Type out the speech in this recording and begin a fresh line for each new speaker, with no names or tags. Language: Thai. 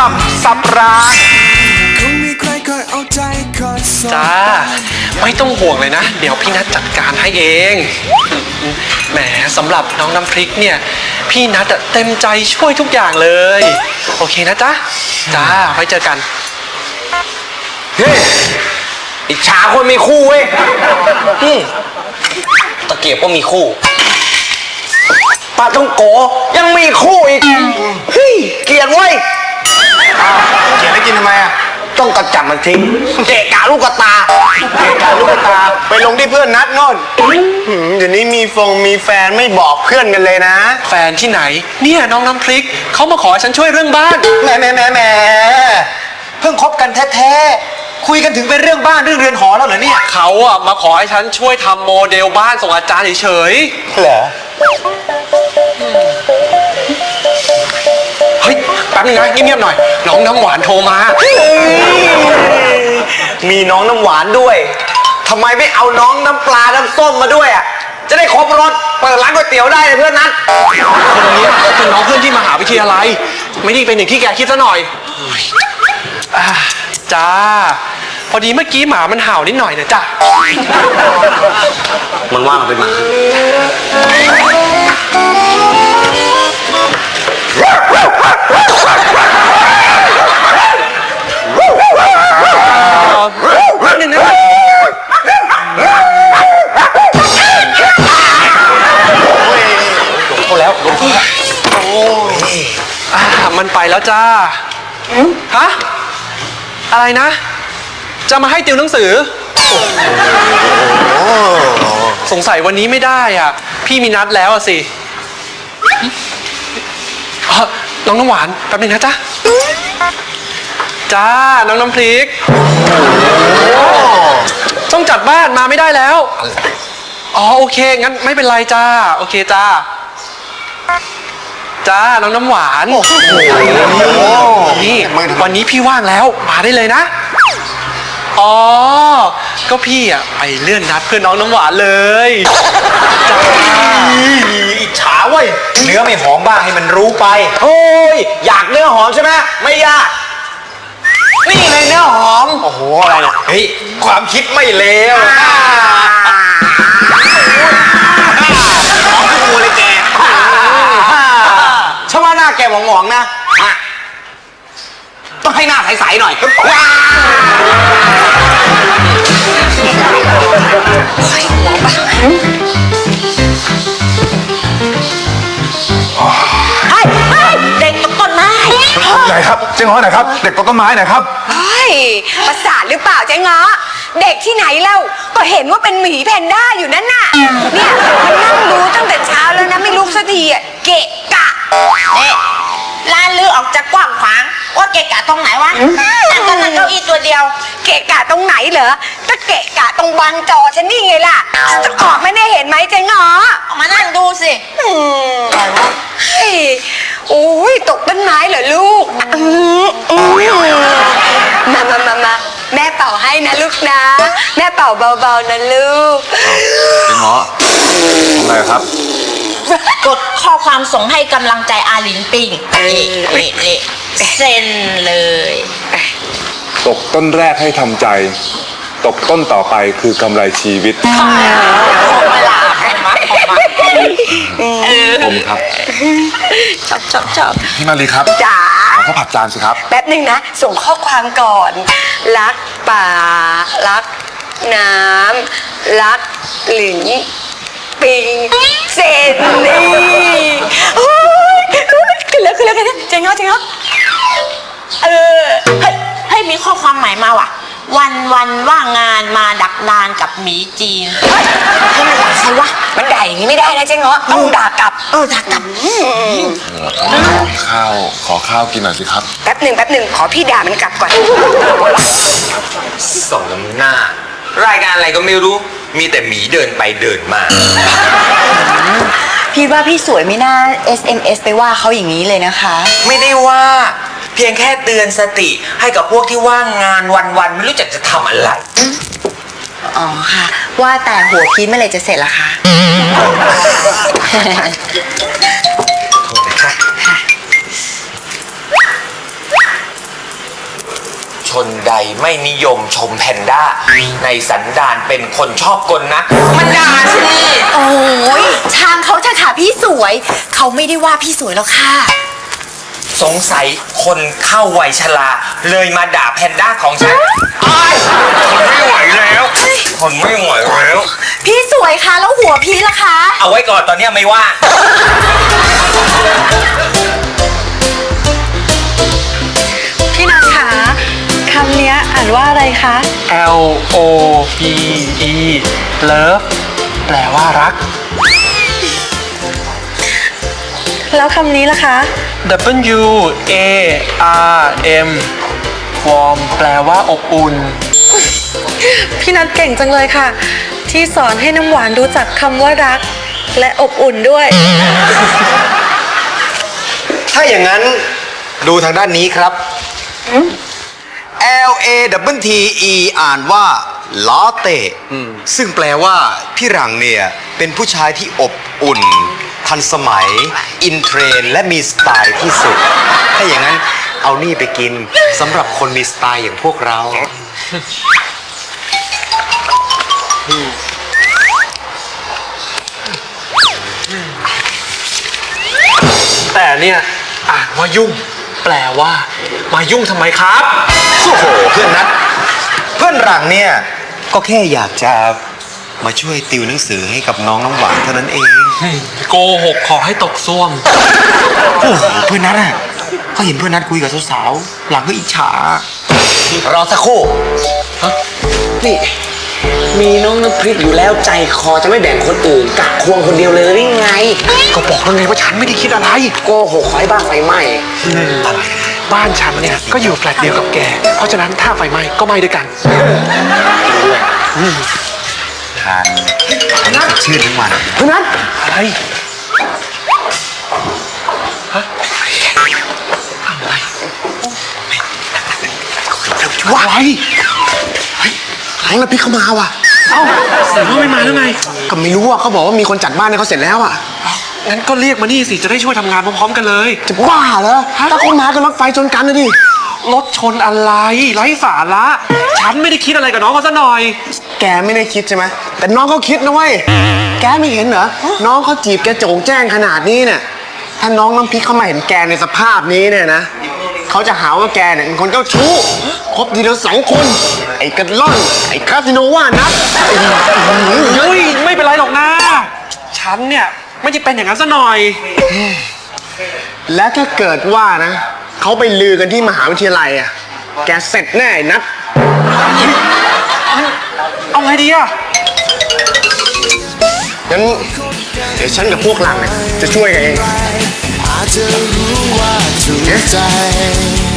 สับรางจ้าไม่ต้องห่วงเลยนะเดี๋ยวพี่นัทจัดการให้เองแหมสำหรับน้องน้ำพริกเนี่ยพี่นัทเต็มใจช่วยทุกอย่างเลยโอเคนะจ๊ะจ้าไว้เจอกัน
เฮ้ยอิจฉาคนมีคู่เว้ยตะเกียบก็มีคู่ปลาท่องโกยังมีคู่อีกเฮ้ยเกลียดเว้ย
เขียนให้กินทำไมอ่ะ
ต้องกระจับมันทิ้งเกะกะลูกตา
เกะกะลูกตาไปลงที่เพื่อนนัดโน่นเดี๋ยวนี้มีแฟนไม่บอกเพื่อนกันเลยนะ
แฟนที่ไหนเนี่ยน้องน้ำพริกเขามาขอฉันช่วยเรื่องบ้าน
แหมเพิ่งคบกันแท้ๆคุยกันถึงเป็นเรื่องบ้านเรื่องเรือนหอแล้วเหรอเนี่ย
เขาอะมาขอให้ฉันช่วยทำโมเดลบ้านส่งอาจารย์เฉย
เหรอ
เฮ้ยแป๊บนึงนะเงียบๆหน่อยน้องน้ำหวานโทรมา
มีน้องน้ำหวานด้วยทำไมไม่เอาน้องน้ำปลาน้ำส้มมาด้วยอ่ะจะได้ครบรสเปิดร้านก๋วยเตี๋ยวได้เลยเพื่อนนัท
คนนี้ก็เป็นน้องเพื่อนที่มหาวิทยาลัยไม่ได้เป็นอย่างที่แกคิดซะหน่อยจ้าพอดีเมื่อกี้หมามันเห่านิดหน่อยนะจ้ะ
มันว่ามันเป็นหมา
หนึ่งนะโอ้แล้วมันไปแล้วจ้าฮะอะไรนะจะมาให้ติวหนังสือสงสัยวันนี้ไม่ได้อ่ะพี่มีนัดแล้วอ่ะสิน้องน้ำหวานแป๊บนึงนะจ๊ะจ้าน้องน้ำพริกต้องจัดบ้านมาไม่ได้แล้วอ๋อโอเคงั้นไม่เป็นไรจ้าโอเคจ้าจ้าน้องน้ำหวานนี่วันนี้พี่ว่างแล้วมาได้เลยนะอ๋อก็พี่อ่ะไปเลื่อนนัดเพื่อนน้องน้ำหวานเลยจ้า
อิจฉาเว้ยเนื้อไม่หอมบ้างให้มันรู้ไป
โอ้ยอยากเนื้อหอมใช่ไหมไม่ยากนี่เลยเนื้อหอม
โอ้โหอะไรเนี่ยเฮ้ยความคิดไม่เลวหอมทุกตัวเลยแก
ชอบว่าหน้าแกหมองๆนะต้องให้หน้าใสๆหน่อย
เด็กตกต้นไม้
ไหนครับเจ๊ง้อไหนครับเด็กตกต้นไม้ไหนครับ
ประสาทหรือเปล่าเจ๊ง้อเด็กที่ไหนเล่าก็เห็นว่าเป็นหมีแพนด้าอยู่นั่นน่ะเนี่ยมันนั่งดูตั้งแต่เช้าแล้วนะไม่ลุกสักทีอ่ะเกะกะเนี่ยลานลือออกจากกว้างขวางว่าเกะกะตรงไหนวะนั่งก็นั่งเก้าอี้ตัวเดียวเกะกะตรงไหนเหรอก็เกะกะตรงบางจอฉันนี่ไงล่ะจะออกไม่ได้เห็นไหมเจ๊ง้อออกมานั่งดูสิอะไรวะโอ้ยตกต้นไม้เหรอลูกมาแม่เป่าให้นะลูกนะแม่เป่าเบาๆนะลูก
เงาะอะไรครับ
กดข้อความส่งให้กำลังใจอาหลินปิงนี่เซ็นเลย
ตกต้นแรกให้ทำใจตกต้นต่อไปคือกำไรชีวิตผมครับ
ชอบ
พี่มาลีครับ
จ๋า
ข้าวผัดจานสิครับ
แป๊บหนึ่งนะส่งข้อความก่อนรักป่ารักน้ำรักหลินปิงเซนนี่ขึ้นแล้วเจ๊งเงาให้มีข้อความใหม่มาว่ะวันว่างงานมาดักดานกับหมีจีนให้มันด่าใครวะมันด่าอย่างนี้ไม่ได้นะเจ๊งเงาะต้องด่ากลับด่ากลับ
ข้าวขอข้าวกินหน่อยสิครับ
แป๊บหนึ่งขอพี่ด่ามันกลับก่อน
ส่งน้ำหน้ารายการอะไรก็ไม่รู้มีแต่หมีเดินไปเดินมา
พี่ว่าพี่สวยไม่น่า SMS ไปว่าเขาอย่างนี้เลยนะคะ
ไม่ได้ว่าเพียงแค่เตือนสติให้กับพวกที่ว่างงานวันๆไม่รู้จักจะทำอะไร
อ๋อค่ะว่าแต่หัวพีชเมื่อไหร่จะเสร็จล่ะคะ
โทษนะคะนใดไม่นิยมชมแพนด้า ในสันดานเป็นคนชอบกลนะ มันด่าสิ
โอ้ยช่างเขาเถอะค่ะพี่สวย เขาไม่ได้ว่าพี่สวยแล้วค่ะ
สงสัยคนเข้าวัยชราเลยมาด่าแพนด้าของฉันอ้ายทนไม่ไหวแล้วทนไม่ไหวแล้ว
พี่สวยคะแล้วหัวพี่ล่ะคะ
เอาไว้ก่อนตอนเนี้ยไม่ว่า
พี่นัทคะคำเนี้ยอ่านว่าอะไรคะ
L O V E love แปลว่ารัก
แล้วคำนี้ล่ะคะ
W A R M warm แปลว่าอบอุ่น
พี่นัทเก่งจังเลยค่ะ ที่สอนให้น้ำหวานรู้จักคำว่ารัก และอบอุ่นด้วย
ถ้าอย่างนั้นดูทางด้านนี้ครับ L A W T E อ่านว่าลาเต้ซึ่งแปลว่าพี่หลังเนี่ยเป็นผู้ชายที่อบอุ่น ทันสมัย อินเทรนด์และมีสไตล์ที่สุด ถ้าอย่างนั้นเอานี่ไปกินสำหรับคนมีสไตล์อย่างพวกเรา
แต่เนี่ยอ่านว่ายุ่ง แปลว่า มายุ่งทำไมครับ
โอ้โหเพื่อนนัดเพื่อนหลังเนี่ยก็แค่อยากจะมาช่วยติวหนังสือให้กับน้องน้ำหวานเท่านั้นเอง
โกหกขอให้ตกซ่วม
โอ้โหเพื่อนนัดอ่ะเขาเห็นเพื่อนนัดคุยกับสาวๆหลังก็อิจฉารอสักครู่
นี่ มีน้องน้ำพริกอยู่แล้วใจคอจะไม่แบ่งคนอื่นกักควงคนเดียวเลยหรือไง
ก็บอกแล้วไงว่าฉันไม่ได้คิดอะไร
โกหกขอให้บ้านไฟไหม้
บ้านฉันเนี่ยก็อยู่แฟลตเดียวกับแก เพราะฉะนั้นถ้าไฟไหม้ก็ไหม้ด้วยกัน
ทานชื่อทั้งวัน
เพื่อนนั้นอะไรฮะอะไรว้ายเฮ้ยน้องน้ำพริกเข้ามาว่ะเอ้าเสียงว่าไม่มาแล้วไง
ก็ไม่รู้อ่ะเขาบอกว่ามีคนจัดบ้านให้เขาเสร็จแล้วอ่ะ
งั้นก็เรียกมานี่สิจะได้ช่วยทำงานพร้อมๆกันเลย
จะบ้าเหรอถ้าเขามาก็รถไฟชนกันนะดิ
รถชนอะไรไร้สาระฉันไม่ได้คิดอะไรกับน้องเขาซะหน่อย
แกไม่ได้คิดใช่ไหมแต่น้องเขาคิดนะเว้ยแกไม่เห็นเหรอน้องเขาจีบแกโจ่งแจ้งขนาดนี้เนี่ยถ้าน้องน้ำพริกเขามาเห็นแกในสภาพนี้เนี่ยนะเขาจะหาว่าแกเนี่ยเป็นคนเจ้าชู้คบทีเดียว2 คน ไอ้กระล่อนไอ้คาสิโนว่านัด
เฮ้ยไม่เป็นไรหรอกนะฉันเนี่ยไม่ได้เป็นอย่างนั้นซะหน่อย
และถ้าเกิดว่านะเขาไปลือกันที่มหาวิทยาลัยอ่ะแกเสร็จแน่ไอ้นัด
เอาไงดีอะ
งั้นเดี๋ยวฉันกับพวกหลังเนี่ยจะช่วยกันเอง
อาจจะรู้ว่าถูกใจ